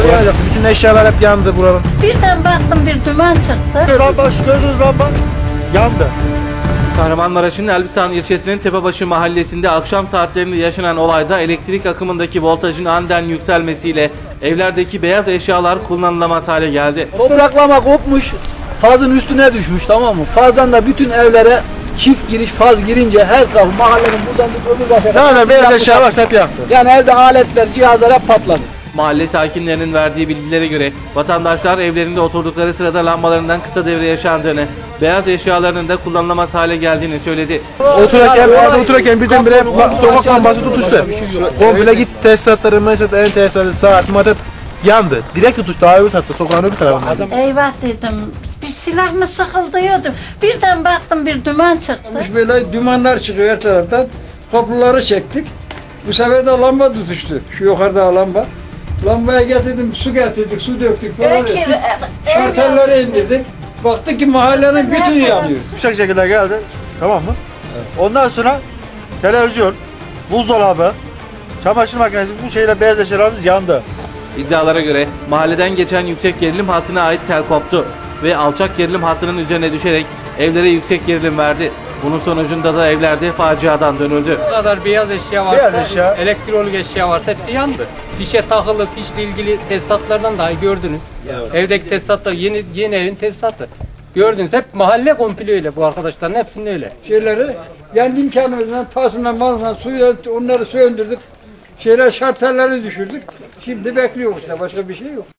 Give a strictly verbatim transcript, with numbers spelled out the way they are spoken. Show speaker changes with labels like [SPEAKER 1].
[SPEAKER 1] yanacak. Bütün eşyalar hep yandı buranın.
[SPEAKER 2] Birden baktım bir duman çıktı.
[SPEAKER 1] Lamba, şu gördüğünüz lamba yandı.
[SPEAKER 3] Kahramanmaraş'ın Elbistan ilçesinin Tepebaşı mahallesinde akşam saatlerinde yaşanan olayda elektrik akımındaki voltajın aniden yükselmesiyle evlerdeki beyaz eşyalar kullanılamaz hale geldi.
[SPEAKER 4] Topraklama kopmuş, fazın üstüne düşmüş, tamam mı? Fazdan da bütün evlere çift giriş, faz girince her taraf mahallenin buradan tut öbür başa kadar.
[SPEAKER 1] Ne ne beyaz eşya varsa hep yaktı.
[SPEAKER 4] Yani evde aletler, cihazlar hep patladı.
[SPEAKER 3] Mahalle sakinlerinin verdiği bilgilere göre vatandaşlar evlerinde oturdukları sırada lambalarından kısa devre yaşandığını, beyaz eşyalarının da kullanılamaz hale geldiğini söyledi.
[SPEAKER 1] Otururken, orada otururken birdenbire sokak lambası tutuştu. Komple git tesisatları, mesela en tesisatı, saat, madet yandı. Direkt tutuştu, daha öbür tarafta, sokağın öbür tarafında.
[SPEAKER 2] Eyvah dedim, bir silah mı sıkıldı diyordum. Birden baktım bir duman çıktı.
[SPEAKER 5] Böyle dumanlar çıkıyor her taraftan. Kapıları çektik. Bu sefer de lamba tutuştu. Şu yukarıda lamba. Lambaya getirdim, su getirdik, su döktük falan.
[SPEAKER 2] Belki,
[SPEAKER 5] ettik. Şartelleri indirdik. Baktık ki mahallenin bütünü yanıyor.
[SPEAKER 1] Yüksek şekilde geldi, tamam mı? Evet. Ondan sonra televizyon, buzdolabı, çamaşır makinesi, bu şeyler, beyaz eşyalarımız yandı.
[SPEAKER 3] İddialara göre mahalleden geçen yüksek gerilim hattına ait tel koptu ve alçak gerilim hattının üzerine düşerek evlere yüksek gerilim verdi. Bunun sonucunda da evlerde faciadan dönüldü.
[SPEAKER 6] Bu kadar beyaz eşya varsa,
[SPEAKER 1] Beyaz eşya.
[SPEAKER 6] elektronik eşya varsa hepsi yandı. Fişe takılı, fişle ilgili tesisatlardan dahi gördünüz. Evet. Evdeki tesisatlar yeni yeni evin tesisatı. Gördünüz, hep mahalle komple öyle, bu arkadaşların hepsinde öyle.
[SPEAKER 5] Şeyleri kendi imkanımızdan tasından malından suyu onları söndürdük. Şeyler şartelleri düşürdük. Şimdi bekliyoruz, başka bir şey yok.